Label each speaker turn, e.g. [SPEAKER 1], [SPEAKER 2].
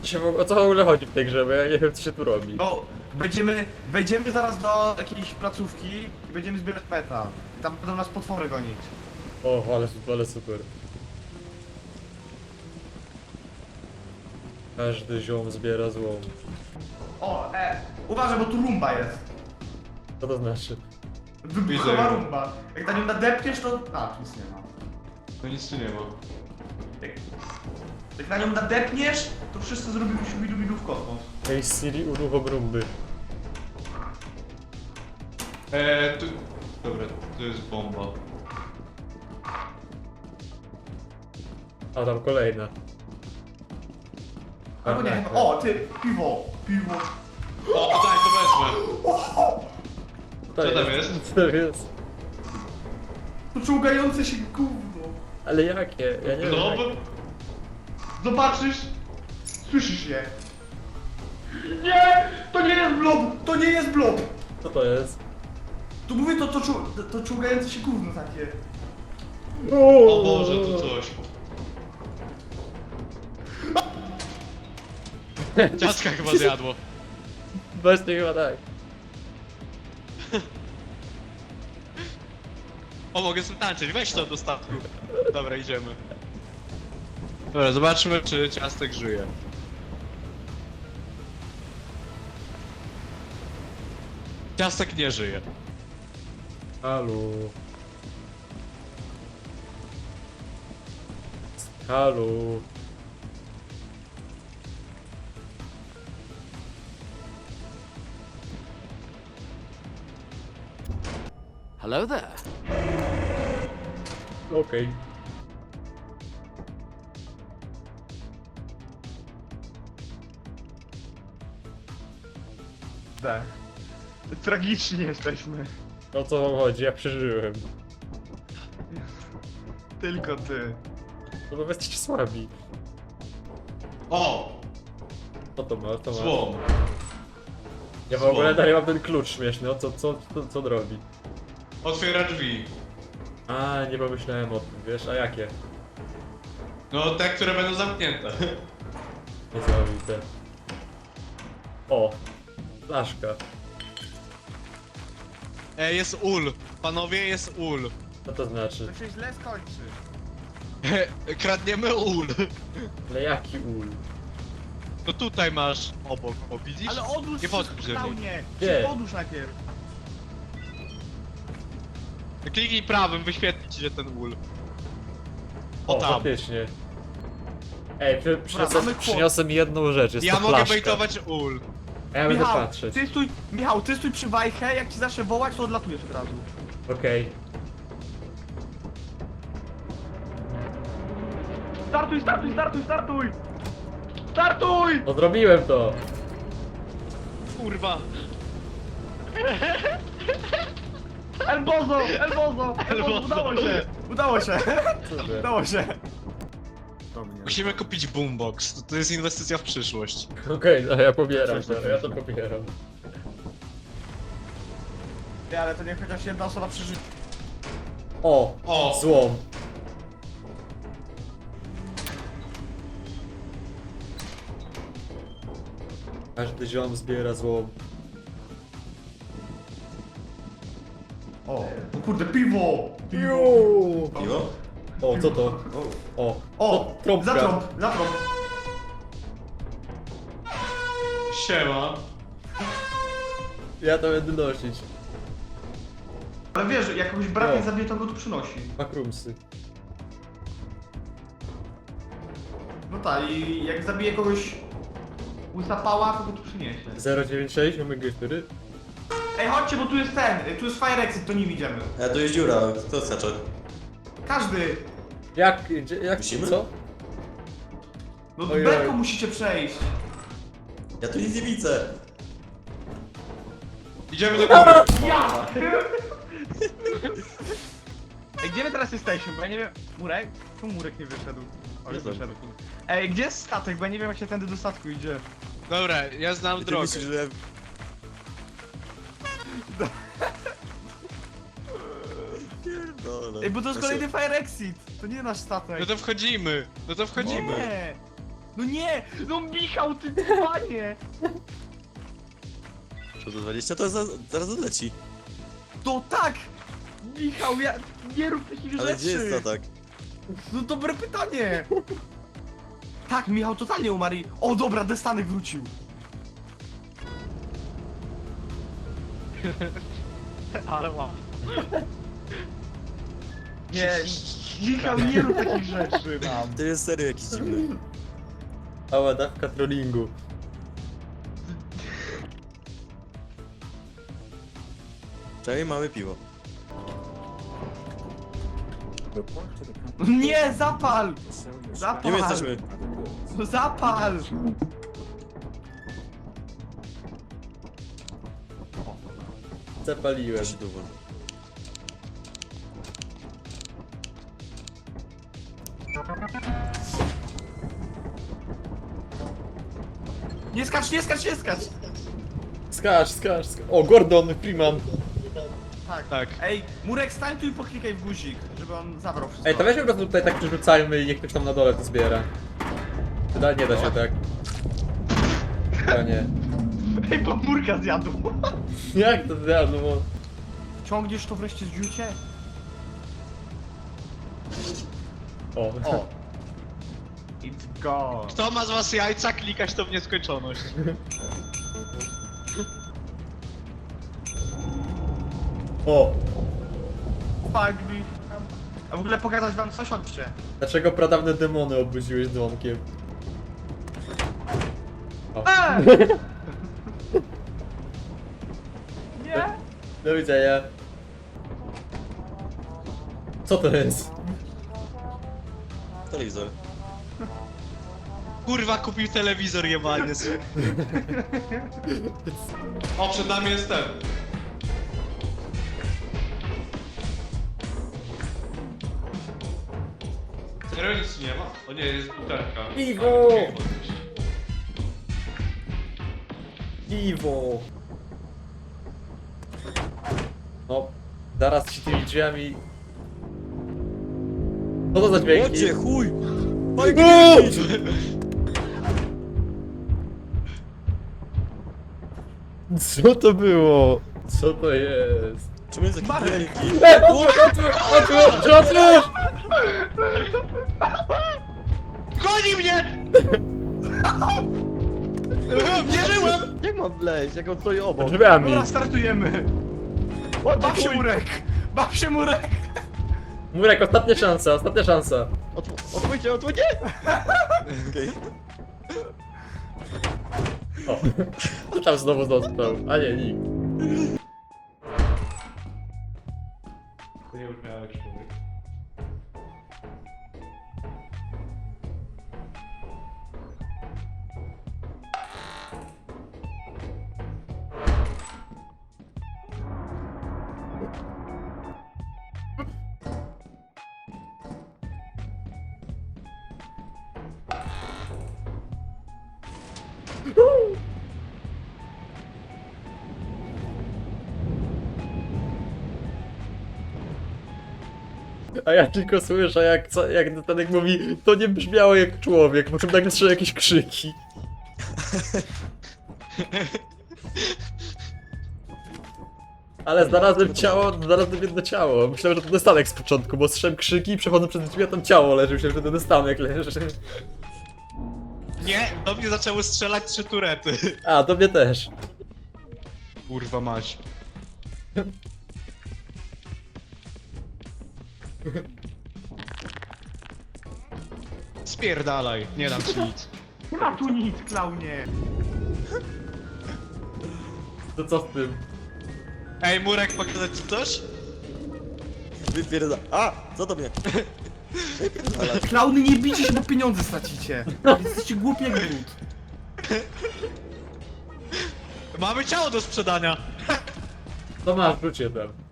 [SPEAKER 1] O co w ogóle chodzi w tej grze, bo ja nie wiem co się tu robi.
[SPEAKER 2] No, wejdziemy zaraz do jakiejś placówki i będziemy zbierać peta. I tam będą nas potwory gonić.
[SPEAKER 1] O, ale super. Każdy ziom zbiera złom.
[SPEAKER 2] O, uważaj, bo tu rumba jest.
[SPEAKER 1] Co to znaczy?
[SPEAKER 2] Wybuchowa
[SPEAKER 3] Widzę.
[SPEAKER 2] rumba. Jak na nią nadepniesz, to... A, tu nic nie ma.
[SPEAKER 3] No nic tu nie ma.
[SPEAKER 2] Jak na nią nadepniesz, to wszyscy zrobimy siubidu w kosmos.
[SPEAKER 1] Ej Siri, uruchom rumby.
[SPEAKER 3] Tu... Dobra, to jest bomba.
[SPEAKER 1] A tam kolejna.
[SPEAKER 2] Albo nie, chyba... O, ty, piwo.
[SPEAKER 3] O, to daj, to wezmę. Co tam jest?
[SPEAKER 1] Co tam jest?
[SPEAKER 2] To czołgające się gówno.
[SPEAKER 1] Ale jakie? Ja nie wiem.
[SPEAKER 3] No,
[SPEAKER 1] jak-
[SPEAKER 3] bo...
[SPEAKER 2] Zobaczysz? Słyszysz je. Nie! To nie jest blob! To nie jest blob!
[SPEAKER 1] Co to jest?
[SPEAKER 2] Tu mówię, to czołgające się gówno takie.
[SPEAKER 3] O Boże, to coś. Ciastka chyba zjadło.
[SPEAKER 1] Właśnie chyba tak.
[SPEAKER 3] O, mogę sobie tańczyć, weź to do statku. Dobra, idziemy. Dobra, zobaczmy, czy ciastek żyje. Ciastek nie żyje.
[SPEAKER 1] Halo. Halo.
[SPEAKER 4] Hello there.
[SPEAKER 1] Okej.
[SPEAKER 2] Tak. Tragiczni jesteśmy.
[SPEAKER 1] O co wam chodzi? Ja przeżyłem.
[SPEAKER 2] Tylko ty.
[SPEAKER 1] No bo wy jesteście słabi.
[SPEAKER 3] O!
[SPEAKER 1] Co to ma? To ma?
[SPEAKER 3] Złom.
[SPEAKER 1] Ja w ogóle dalej mam ten klucz śmieszny. O co on robi?
[SPEAKER 3] Otwiera drzwi.
[SPEAKER 1] A, nie pomyślałem o tym, wiesz? A jakie?
[SPEAKER 3] No, te, które będą zamknięte.
[SPEAKER 1] Niesamowite. O! Flaszka.
[SPEAKER 3] Jest ul. Panowie, jest ul.
[SPEAKER 1] Co to znaczy?
[SPEAKER 2] To się źle skończy.
[SPEAKER 3] Kradniemy ul.
[SPEAKER 1] Ale jaki ul?
[SPEAKER 3] No tutaj masz obok, o widzisz?
[SPEAKER 2] Ale odłóż
[SPEAKER 3] Nie podchodź
[SPEAKER 2] wszystko
[SPEAKER 3] do mnie.
[SPEAKER 2] nie.
[SPEAKER 1] Gdzie?
[SPEAKER 2] Odłóż najpierw.
[SPEAKER 3] Kliknij prawym, wyświetli ci się ten ul. O
[SPEAKER 1] O,
[SPEAKER 3] tam.
[SPEAKER 1] faktycznie. Ej,
[SPEAKER 2] mamy kłopot.
[SPEAKER 1] przyniosę mi jedną rzecz, jest
[SPEAKER 3] Ja
[SPEAKER 1] to
[SPEAKER 3] mogę
[SPEAKER 1] flaszka.
[SPEAKER 3] bejtować ul.
[SPEAKER 1] A ja będę patrzeć.
[SPEAKER 2] Michał, ty stój przy wajchę, jak ci zacznę wołać, to odlatujesz od razu.
[SPEAKER 1] Okej.
[SPEAKER 2] Startuj! Startuj!
[SPEAKER 1] No zrobiłem to!
[SPEAKER 3] Kurwa.
[SPEAKER 2] Elbozo! Udało się!
[SPEAKER 1] Super.
[SPEAKER 2] Udało się!
[SPEAKER 3] Musimy kupić boombox. To jest inwestycja w przyszłość.
[SPEAKER 1] Okej, no ja pobieram to, ja to pobieram.
[SPEAKER 2] Nie, ale to niech chociaż jedna osoba przeżyje.
[SPEAKER 3] O!
[SPEAKER 1] Złom. Każdy ziom zbiera złom.
[SPEAKER 2] O kurde, piwo!
[SPEAKER 1] Piwo? O, co to? O,
[SPEAKER 2] O!
[SPEAKER 1] trąbka.
[SPEAKER 2] Zatrąb!
[SPEAKER 3] Siema.
[SPEAKER 1] Ja to będę nosić.
[SPEAKER 2] Ale wiesz, jak kogoś brat
[SPEAKER 1] O.
[SPEAKER 2] nie zabije, to go tu przynosi.
[SPEAKER 1] Makrumsy.
[SPEAKER 2] No tak, i jak zabije kogoś łysa pała, to go tu przyniesie.
[SPEAKER 1] 096, mamy G4.
[SPEAKER 2] Ej, chodźcie, bo tu jest tu jest fire exit, to nim idziemy.
[SPEAKER 5] A tu jest dziura, kto skacze?
[SPEAKER 2] Każdy!
[SPEAKER 1] Jak,
[SPEAKER 5] Musimy?
[SPEAKER 1] co?
[SPEAKER 2] No
[SPEAKER 1] Ojej.
[SPEAKER 2] belką musicie przejść.
[SPEAKER 5] Ja tu nic nie widzę.
[SPEAKER 3] Idziemy do góry.
[SPEAKER 2] Ja! Ej, gdzie my teraz jesteśmy? Bo ja nie wiem... Murek? Czemu Murek nie wyszedł? O, już
[SPEAKER 5] Nie
[SPEAKER 2] wyszedł. Ej, gdzie jest statek? Bo ja nie wiem jak się tędy do statku idzie.
[SPEAKER 3] Dobra, ja znam drogę.
[SPEAKER 5] myślisz, że... Pierdolę.
[SPEAKER 2] Ej, bo to jest
[SPEAKER 5] Znaczy,
[SPEAKER 2] kolejny fire exit! To nie nasz statek.
[SPEAKER 3] No to wchodzimy.
[SPEAKER 2] Nie! No nie! No Michał, ty panie!
[SPEAKER 5] Co to 20? To zaraz odleci.
[SPEAKER 2] To tak! Michał, ja nie rób takich
[SPEAKER 5] Ale
[SPEAKER 2] rzeczy!
[SPEAKER 5] gdzie jest to tak?
[SPEAKER 2] No dobre pytanie! Tak, Michał totalnie umarł i... O dobra, Destanek wrócił!
[SPEAKER 3] Ale mam.
[SPEAKER 2] Nie, Michał, nie rób takich rzeczy nam!
[SPEAKER 5] To jest serio jakiś dziwny.
[SPEAKER 1] Cała dawka trollingu.
[SPEAKER 5] Czekaj, mamy piwo.
[SPEAKER 2] Nie, zapal! Zapal!
[SPEAKER 5] Nie my jesteśmy.
[SPEAKER 2] No zapal!
[SPEAKER 1] Zapaliłem.
[SPEAKER 5] Ja się tu włączę.
[SPEAKER 2] Nie skacz, nie skacz, nie skacz!
[SPEAKER 1] Skacz. O, Gordon Freeman.
[SPEAKER 3] Tak.
[SPEAKER 2] Ej, Murek, stań tu i poklikaj w guzik, żeby on zabrał wszystko.
[SPEAKER 1] Ej, to weźmy po prostu tutaj tak przerzucajmy i niech ktoś tam na dole to zbiera. Nie da się tak. To nie.
[SPEAKER 2] Ej, bo Murka zjadł!
[SPEAKER 1] Jak to zjadło?
[SPEAKER 2] Ciągniesz to wreszcie z dziucie?
[SPEAKER 1] O.
[SPEAKER 2] O! It's gone!
[SPEAKER 3] Kto ma z was jajca klikać to w nieskończoność?
[SPEAKER 1] O.
[SPEAKER 2] Fuck me! A w ogóle pokazać wam coś, chodźcie.
[SPEAKER 1] Dlaczego pradawne demony obudziłeś dzwonkiem? O.
[SPEAKER 2] Nie!
[SPEAKER 1] Do widzenia. Co to jest?
[SPEAKER 5] Telewizor.
[SPEAKER 3] Kurwa, kupił telewizor jebany. O, przed nami jest ten. Serio nic nie ma? O nie, jest butelka.
[SPEAKER 1] Piwo! Piwo! No, zaraz ci tymi drzwiami... Co to za dźwięki?
[SPEAKER 5] Łodzie, chuj! Oj,
[SPEAKER 1] O! Co to było? Co to jest?
[SPEAKER 5] Czemu jest taki
[SPEAKER 2] Marek!
[SPEAKER 5] wielki?
[SPEAKER 1] Otwórz!
[SPEAKER 3] Goni mnie! Nie żyłem!
[SPEAKER 6] Jak mam wleźć, jak on stoi obok?
[SPEAKER 1] Drzwiami!
[SPEAKER 2] Dobra, startujemy! Baw się Murek! Baw się Murek!
[SPEAKER 1] Murek, ostatnia szansa, ostatnia szansa.
[SPEAKER 6] Otwórzcie, otwórzcie!
[SPEAKER 5] Okej.
[SPEAKER 1] O, kto tam znowu został? A nie, nikt.
[SPEAKER 3] To nie brzmiało jak człowiek.
[SPEAKER 1] A ja tylko słyszę, jak Natanek mówi, to nie brzmiało jak człowiek, po czym nagle słyszę jakieś krzyki. Ale znalazłem ciało, znalazłem jedno ciało. Myślałem, że to Natanek z początku, bo słyszałem krzyki i przechodzę przez drzwi, a tam ciało leży. Myślałem, że to Natanek leży.
[SPEAKER 3] Nie, do mnie zaczęły strzelać 3 turety.
[SPEAKER 1] A, do mnie też.
[SPEAKER 3] Kurwa mać. Spierdalaj, nie dam ci nic.
[SPEAKER 2] Nie ma tu nic, klaunie!
[SPEAKER 1] To co z tym?
[SPEAKER 3] Ej, Murek, pokazać ci coś?
[SPEAKER 5] Wypierda... A! Co do mnie? Wypierdala.
[SPEAKER 2] Klauny, nie bijcie się, bo pieniądze stracicie! Jesteście głupi jak brud.
[SPEAKER 3] Mamy ciało do sprzedania.
[SPEAKER 1] To masz, wróć je tam.